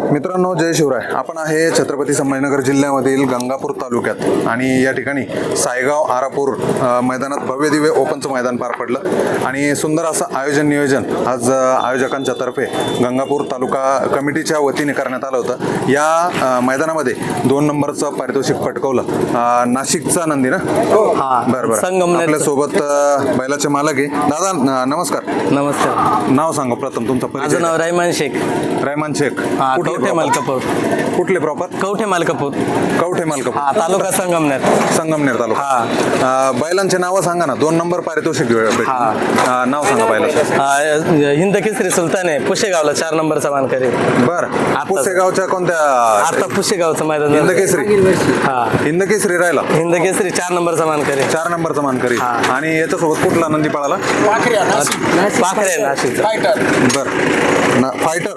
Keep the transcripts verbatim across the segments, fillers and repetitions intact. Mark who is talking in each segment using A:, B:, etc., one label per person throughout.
A: मित्रांनो, जय शिवराय. आपण आहे छत्रपती संभाजीनगर जिल्ह्यामधील गंगापूर तालुक्यात आणि या ठिकाणी सायगाव आरापूर अ, मैदानात भव्य दिव्य ओपनचं मैदान पार पडलं आणि सुंदर असं आयोजन नियोजन आज अ, आयोजकांच्या तर्फे गंगापूर तालुका कमिटीच्या वतीने करण्यात आलं होतं. या अ, मैदानामध्ये दोन नंबरचं पारितोषिक पटकवलं अ, नाशिकचा नंदी ना.
B: हा,
A: बरं बरं.
B: संगमनेरचं.
A: आपल्यासोबत अ, बैलाचे मालक आहे दादा. न- नमस्कार.
B: नमस्कार.
A: नाव सांगा प्रथम तुमचं
B: माझं
A: परिचय.
B: नाव रायमान शेख.
A: रहमान शेख.
B: हा,
A: कुठले
B: कवठे
A: proper?
B: मालकापूर.
A: कुठले प्रॉपर?
B: कवठे मालकापूर.
A: कवठे मालकापूर.
B: हा, तालुका संगमनेर.
A: संगमनेर तालुका.
B: हा.
A: अ, बैलांचे नावं सांगा ना. दोन नंबर पारितोषिक भेटलं.
B: हा.
A: अ, नाव सांगा बैलाचं.
B: हा, हिंद केसरी सुलतान आहे, पुशेगावला चार नंबरचा मानकरी.
A: बरं. पुसेगावच्या कोणत्या?
B: आता पुशेगावचं मैदान
A: हिंद
B: झालं.
A: केसरी.
B: हा,
A: हिंद केसरी राहिला.
B: हिंद केसरी चार नंबरचा मानकरी.
A: चार नंबरचा मानकरी.
B: हा.
A: आणि याच्यासोबत कुठला नंदी पळाला?
B: पाखरे आहे नाशिक.
A: बरं ना, फायटर.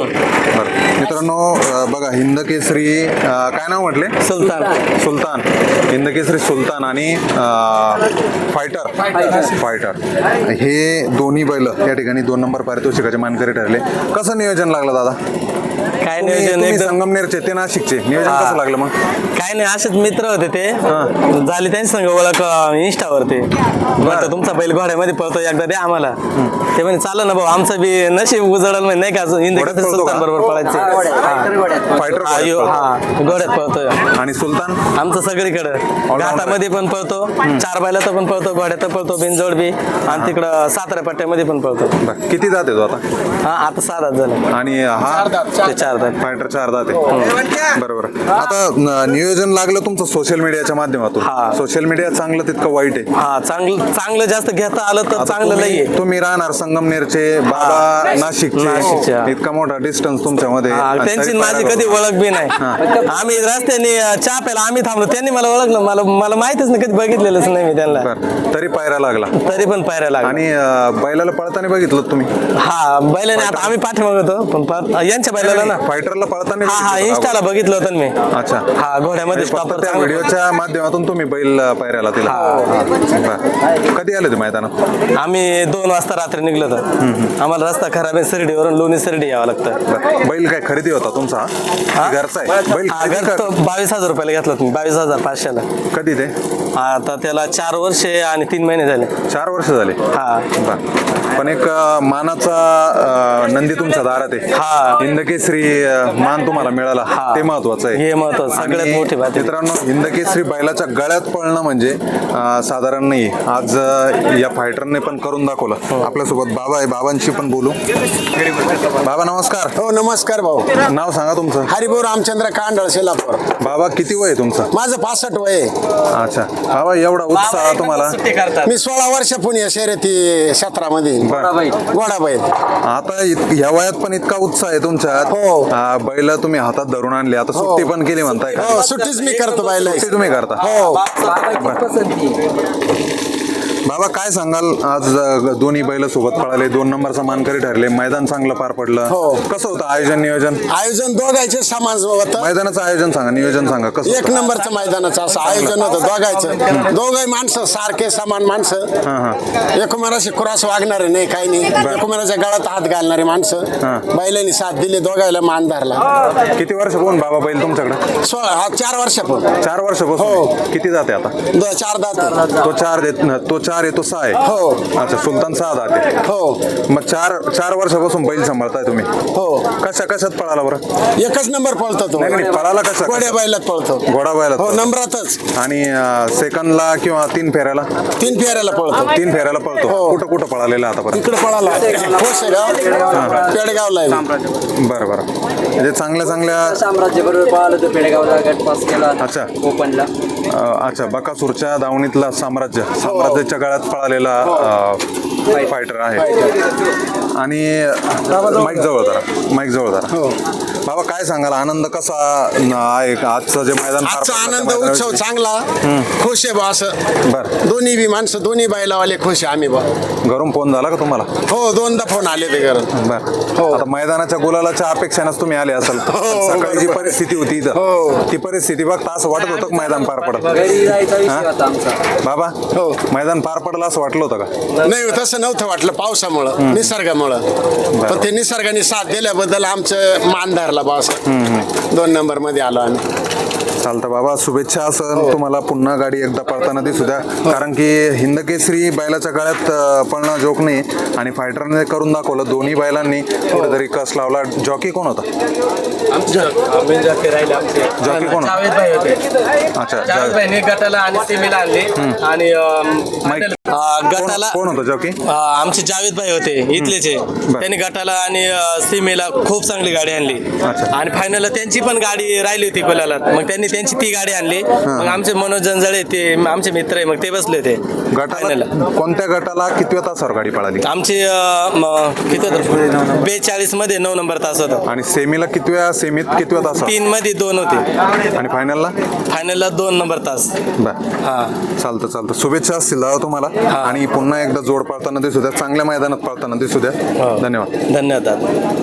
A: बरं मित्रांनो, अ, बघा हिंद केसरी अ, काय नाव म्हटले?
B: सुलतान.
A: सुलतान. हिंद केसरी सुलतान आणि अ, फायटर फायटर हे दोन्ही बैल या ठिकाणी दोन नंबर पारितोषिकाचे मानकरी ठरले. कसं नियोजन लागलं दादा?
B: काय
A: तुम्ही-
B: नियोजन
A: तुम्ही
B: एकदम.
A: संगमनेरचे, ते नाशिकचे. नियोजन
B: हा.
A: कसं लागलं मग?
B: काय नाही, असेच मित्र होते ते. झाली त्यांची संग ओळख इंस्टावरती. बरं, तुमचा बैल घोड्यामध्ये पळतो, एकदा द्या आम्हाला. ते म्हणे चालेल ना भाऊ, आमचं बी नशीब उजळलं म्हणजे नाही का, हिंद
A: घोड्यात
B: केसरी
A: पळतो का?
B: सुलतान बरोबर पळायचे.
A: फायटर
B: हा, यो- हा, घोड्यात पळतोय.
A: आणि सुलतान
B: आमचं सगळीकडं घाटामध्ये पण पळतो, चार बैलात पण पळतो, घोड्यात पळतो, बिनजोड बी, आणि तिकडं सातारा पट्ट्यामध्ये पण पळतो.
A: बरं. किती जाते तो आता?
B: हा, आता सात हात झालं.
A: आणि हा
B: ते चार दात.
A: फायटर चार जाते. बरोबर. आता न- नियोजन लागलं तुमचं सोशल मीडियाच्या माध्यमातून.
B: हा.
A: सोशल मीडिया चांगलं तितकं वाईट आहे.
B: हा, चांगलं चांगलं जास्त घेता आलं तर
A: आता
B: चांगलं
A: तुम्ही-
B: नाहीये.
A: तुम्ही राहणार संगमनेरचे, बाबा नाशिकचे.
B: नाशिकच्या.
A: इतका मोठा डिस्टन्स तुमच्यामध्ये.
B: हा,
A: आणि
B: त्यांची
A: तरी
B: माझी
A: पायऱ्या
B: कधी
A: बरोबर.
B: ओळख बी नाही. आम्ही रस्त्याने अं, चहा प्यायला आम्ही थांबलो, त्यांनी मला ओळखलं. मला मला माहितच नाही, कधी बघितलेलंच नाही मी त्यांना.
A: बरं. तरी पायरा लागला.
B: तरी पण पायऱ्या लागल्या.
A: आणि अं, बैलाला पळताना बघितलं तुम्ही?
B: हा, बैलाने आता आम्ही पाठीमाग होतो, पण पा- यांच्या बैलाला ना.
A: फायटरला पळताना
B: हा हा,
A: बघितलं
B: इंस्टाला बघितलं होतं ना मी.
A: का? अच्छा.
B: हा, घोड्यामध्ये
A: फक्त
B: proper
A: त्या
B: चांगलं-
A: व्हिडिओच्या माध्यमातून तुम्ही बैल अं, पायऱ्याला दिला. बरं. कधी आले ते मैदानात?
B: आम्ही दोन वाजता रात्री निघलो होतो. आम्हाला रस्ता खराब आहे, शिर्डीवरून लोणी शिर्डी यावं लागतं.
A: बरं. बैल काय खरेदी होता तुमचा?
B: हा?
A: की घरचा आहे बैल?
B: हा,
A: खरेदी
B: घर
A: का-
B: तो बावीस हजार रुपयाला घेतला तुम्ही, बावीस हजार पाचशेला.
A: कधी ते?
B: आता त्याला चार वर्षे आणि तीन महिने झाले.
A: चार वर्ष झाले.
B: हा.
A: बरं. पण एक अं, मानाचा अं, नंदी तुमच्या दारात आहे.
B: हा.
A: हिंदकेसरी अं, मान तुम्हाला मिळाला.
B: हा.
A: ते महत्वाचं आहे.
B: हे महत्वाचं, सगळ्यात
A: आणि
B: मोठी बात आहे.
A: मित्रांनो, हिंदकेसरी बैलाच्या गळ्यात पळणं म्हणजे अं, साधारण नाही. आज अं, या फायटरने पण करून दाखवलं. आपल्यासोबत बाबा आहे, बाबांशी पण बोलू. बाबा नमस्कार.
C: हो नमस्कार भाऊ.
A: नाव सांगा तुमचं.
C: हरिभाऊ रामचंद्र कांडळ शेलापूर.
A: बाबा किती वय आहे तुमचं?
C: माझं पासष्ट वय आहे.
A: अच्छा. बाबा एवढा उत्साह तुम्हाला?
B: सुट्टी करतात.
C: मी सोळा वर्षापून या शर्यती क्षेत्रामध्ये
A: बरं.
C: घोडा बैल.
A: आता इत- या वयात पण इतका उत्साह आहे तुमच्यात.
C: हो.
A: आ, बैल तुम्ही हातात धरून आणले, आता सुट्टी पण केली म्हणताय का?
C: हो सुट्टीच मी करतो बैल.
A: सुट्टी तुम्ही करता?
C: हो
A: बाबा काय सांगाल, आज अ, दोन्ही बैल सोबत पळाले, दोन नंबरचा मानकरी ठरले, मैदान चांगलं पार पडलं.
C: हो.
A: कसं होतं आयोजन नियोजन?
C: आयोजन दोघांचे समान होतं.
A: मैदानाचं आयोजन सांगा, नियोजन सांगा कसं
C: एक
A: होतं?
C: नंबरचं मैदानाचं असं आयोजन होतं दोघांचं. दोघही माणसं सारखे समान माणसं,
A: हा हा.
C: एकमेकाशी क्रॉस वागणारे नाही, काही नाही. एकमेकाच्या गळ्यात हात घालणारे माणसं. बैलांनी साथ दिली, दोघायला मान धरला.
A: किती वर्ष कोण बाबा बैल तुमच्याकडे?
C: सोळा हा चार वर्षापून.
A: चार वर्ष
C: हो.
A: बसून. किती जाते आता?
C: दो- चार दात.
A: तो चार देत तो चार आहे, तो सहा आहे.
C: हो.
A: अच्छा. सुलतान सहा जाते.
C: हो
A: मग चार चार वर्षापासून बैल सांभाळताय तुम्ही?
C: हो
A: कशा कशात पळाला बरं?
C: एकच नंबर पळतो तो.
A: नाही नाही, पळाला कसा?
C: घोड्या बैलात पळतो.
A: घोडा बैलात
C: हो
A: पळतो.
C: नंबरातच.
A: आणि सेकंडला किंवा तीन फेऱ्याला?
C: तीन फेऱ्याला पळतो.
A: तीन फेऱ्याला पळतो.
C: हो.
A: कुठं कुठं पळालेला आतापर्यंत?
C: इकडे पळाला कोसेगाव पेडगावला आहे.
A: बरं बरं. म्हणजे चांगल्या चांगल्या.
D: साम्राज्य बरोबर पाहिलं तर पेडगावला गट पास केला.
A: अच्छा.
D: ओपनला
A: अं, अच्छा. बकासूरच्या दावणीतला साम्राज्य साम्राज्याच्या गळ्यात पळालेला फायटर आहे. आणि माईक जवळ धरा, माईक जवळ धरा.
C: हो.
A: बाबा काय सांगाल, आनंद कसा न- आहे का? आजचं जे मैदान पार
C: आजचा
A: पडलं,
C: आनंद
A: त्या
C: उत्सव
A: मैदानाविषयी?
C: चांगला. खुश आहे बा असं.
A: बरं.
C: दोन्ही बी माणसं दोन्ही बैलावाले खुश आहे आम्ही बा.
A: घरून फोन झाला का तुम्हाला?
C: हो दोनदा फोन आले ते घरात.
A: बरं.
C: हो.
A: आता मैदानाच्या गुलालाच्या अपेक्षानेच तुम्ही आले असाल. पण सकाळी जी परिस्थिती होती इथं,
C: हो.
A: ती परिस्थिती बघता असं वाटत होतं का मैदान पार पडत?
D: घरी जायचा विषय होता आमचा.
A: बाबा
C: हो.
A: मैदान पार पडलं असं वाटलं होतं का?
C: नाही तसं नव्हतं वाटलं पावसामुळं निसर्गामुळं. त्याच्यामुळं पण ते निसर्गाने साथ दिल्याबद्दल आमचं मान धरला बॉस दोन नंबर मध्ये आलो आम्ही.
A: चालतं बाबा, शुभेच्छा असं तुम्हाला पुन्हा गाडी एकदा पळताना दिसू द्या. कारण की हिंदकेसरी बैलाच्या काळात अं, पळणं जोक नाही आणि फायटरने करून दाखवलं. दोन्ही बैलांनी कुठेतरी कस लावला. जॉकी कोण होता? जॉकी कोण होता?
B: जावेद भाई होते.
A: अच्छा,
B: जावेद
A: जावेद.
B: भाईने गटाला आणि सेमीला आणले आणि अं,
A: माईक.
B: अं,
A: कोण
B: गटाला
A: कोण होतं जॉकी?
B: अं, आमचे जावेद भाई होते इथलेच आहे. त्यांनी गटाला आणि अं, सीमेला खूप चांगली गाडी आणली
A: अच्छा.
B: आणि फायनलला त्यांची पण गाडी राहिली होती कोल्याला. मग त्यांनी त्यांची ती गाडी आणली. मग आमचे मनोज जंजाळे ते आमचे मित्र आहे, मग ते बसले होते
A: गटाला कोणत्या गटाला कितव्या तासावर गाडी पळाली?
B: आमचे अं, म- किती होतं बेचाळीस मध्ये नऊ नंबर तास होता.
A: आणि सेमीला कितव्या सेमीत कितव्या तासावर?
B: तीन मध्ये दोन होते
A: आणि फायनलला?
B: फायनलला दोन नंबर तास.
A: बर,
B: हा
A: चालतं चालतं. शुभेच्छा असतील दादा तुम्हाला आणि पुन्हा एकदा जोड पळताना दिसू द्या. चांगल्या मैदानात पळताना दिसू द्या. धन्यवाद.
B: धन्यवाद.